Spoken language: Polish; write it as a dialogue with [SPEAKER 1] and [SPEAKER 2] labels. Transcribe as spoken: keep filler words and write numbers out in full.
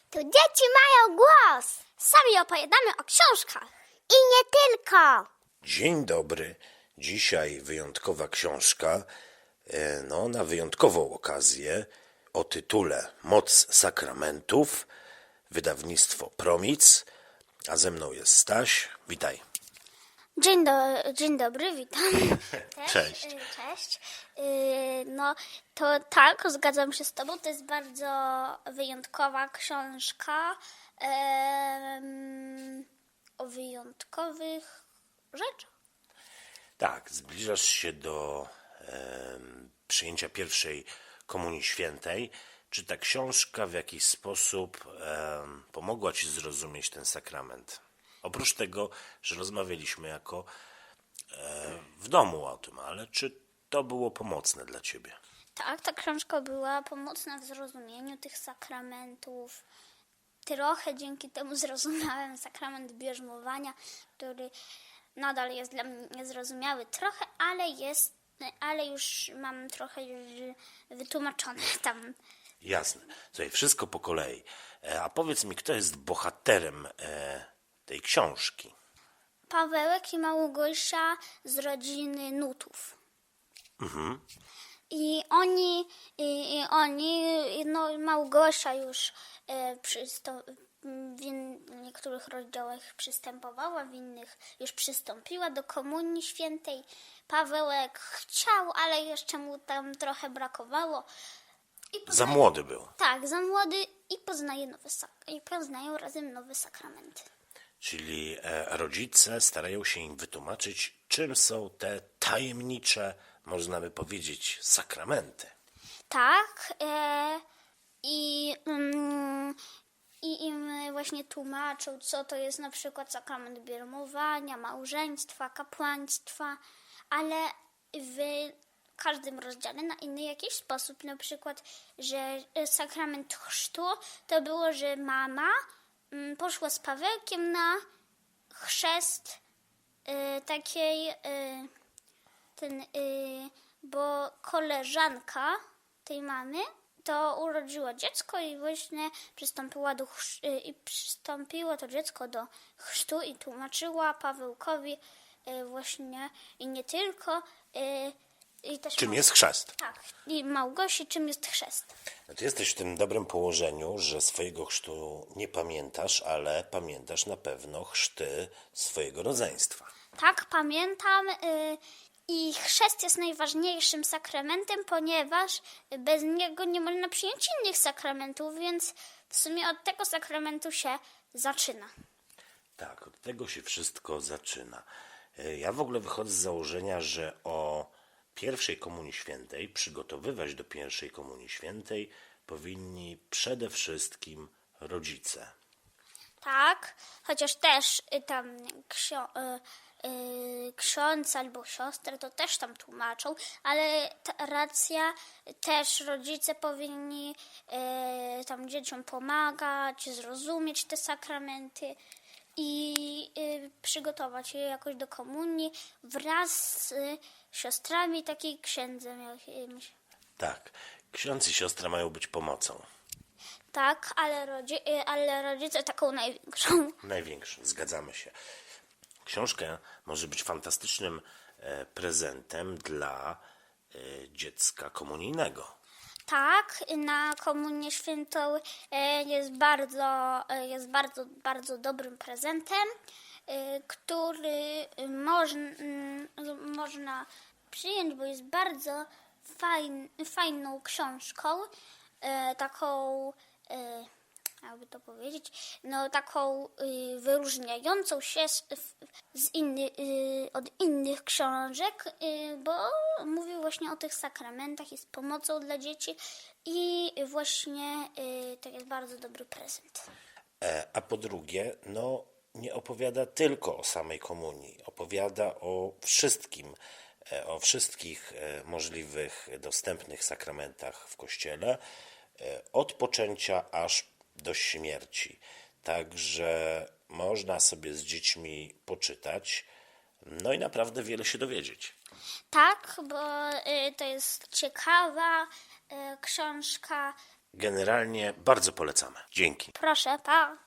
[SPEAKER 1] Tu dzieci mają głos.
[SPEAKER 2] Sami opowiadamy o książkach.
[SPEAKER 1] I nie tylko.
[SPEAKER 3] Dzień dobry. Dzisiaj wyjątkowa książka, e, no na wyjątkową okazję o tytule Moc sakramentów, wydawnictwo Promic, a ze mną jest Staś. Witaj.
[SPEAKER 2] Dzień, do, dzień dobry, witam. Też,
[SPEAKER 3] Cześć.
[SPEAKER 2] y, Cześć. Y, No to tak, zgadzam się z tobą. To jest bardzo wyjątkowa książka em, o wyjątkowych rzeczach.
[SPEAKER 3] Tak, zbliżasz się do em, przyjęcia pierwszej Komunii Świętej. Czy ta książka w jakiś sposób em, pomogła ci zrozumieć ten sakrament? Oprócz tego, że rozmawialiśmy jako e, w domu o tym, ale czy to było pomocne dla ciebie?
[SPEAKER 2] Tak, ta książka była pomocna w zrozumieniu tych sakramentów. Trochę dzięki temu zrozumiałem sakrament bierzmowania, który nadal jest dla mnie niezrozumiały trochę, ale jest, ale już mam trochę już wytłumaczone tam.
[SPEAKER 3] Jasne. Słuchaj, wszystko po kolei. E, a powiedz mi, kto jest bohaterem e, tej książki?
[SPEAKER 2] Pawełek i Małgosia z rodziny Nutów. I oni, i, i oni, no Małgosia już e, przystą, w in, niektórych rozdziałach przystępowała, w innych już przystąpiła do Komunii Świętej. Pawełek chciał, ale jeszcze mu tam trochę brakowało. I
[SPEAKER 3] Za
[SPEAKER 2] poznaje,
[SPEAKER 3] młody był.
[SPEAKER 2] tak, za młody i poznaje nowe sak- i poznają razem nowe sakramenty.
[SPEAKER 3] Czyli e, rodzice starają się im wytłumaczyć, czym są te tajemnicze, można by powiedzieć, sakramenty.
[SPEAKER 2] Tak, e, i, mm, i im właśnie tłumaczą, co to jest na przykład sakrament bierzmowania, małżeństwa, kapłaństwa, ale w każdym rozdziale na inny jakiś sposób. Na przykład, że sakrament chrztu to było, że mama mm, poszła z Pawełkiem na chrzest y, takiej... Y, ten, y, bo koleżanka tej mamy to urodziła dziecko i właśnie przystąpiła do chrz- y, i przystąpiło to dziecko do chrztu i tłumaczyła Pawełkowi y, właśnie i nie tylko y, i też
[SPEAKER 3] Czym
[SPEAKER 2] Mał-
[SPEAKER 3] jest chrzest?
[SPEAKER 2] tak, i Małgosi, czym jest chrzest.
[SPEAKER 3] No ty jesteś w tym dobrym położeniu, że swojego chrztu nie pamiętasz, ale pamiętasz na pewno chrzty swojego rodzeństwa.
[SPEAKER 2] Tak, pamiętam. y, I chrzest jest najważniejszym sakramentem, ponieważ bez niego nie można przyjąć innych sakramentów, więc w sumie od tego sakramentu się zaczyna.
[SPEAKER 3] Tak, od tego się wszystko zaczyna. E, Ja w ogóle wychodzę z założenia, że o pierwszej Komunii Świętej, przygotowywać do pierwszej Komunii Świętej powinni przede wszystkim rodzice.
[SPEAKER 2] Tak, chociaż też y, tam ksio, y, y, ksiądz albo siostrę to też tam tłumaczą, ale ta racja, też rodzice powinni y, tam dzieciom pomagać, zrozumieć te sakramenty i y, przygotować je jakoś do komunii wraz z y, siostrami, takiej księdzem jakimś.
[SPEAKER 3] Tak, ksiądz i siostra mają być pomocą.
[SPEAKER 2] Tak, ale, rodzi- y, ale rodzice taką największą.
[SPEAKER 3] Największym, zgadzamy się. Książka może być fantastycznym e, prezentem dla e, dziecka komunijnego.
[SPEAKER 2] Tak, na Komunię Świętą e, jest bardzo, e, jest bardzo, bardzo dobrym prezentem, e, który moż, m, można przyjąć, bo jest bardzo fajn, fajną książką, e, taką, e, jakby to powiedzieć, no taką y, wyróżniającą się z, z inny, y, od innych książek, y, bo mówi właśnie o tych sakramentach, jest pomocą dla dzieci i właśnie y, to jest bardzo dobry prezent.
[SPEAKER 3] E, a po drugie, no nie opowiada tylko o samej komunii, opowiada o wszystkim, e, o wszystkich e, możliwych, dostępnych sakramentach w Kościele, e, od poczęcia aż do śmierci. Także można sobie z dziećmi poczytać, no i naprawdę wiele się dowiedzieć.
[SPEAKER 2] Tak, bo y, to jest ciekawa y, książka,
[SPEAKER 3] Generalnie bardzo polecamy. Dzięki.
[SPEAKER 2] Proszę, pa.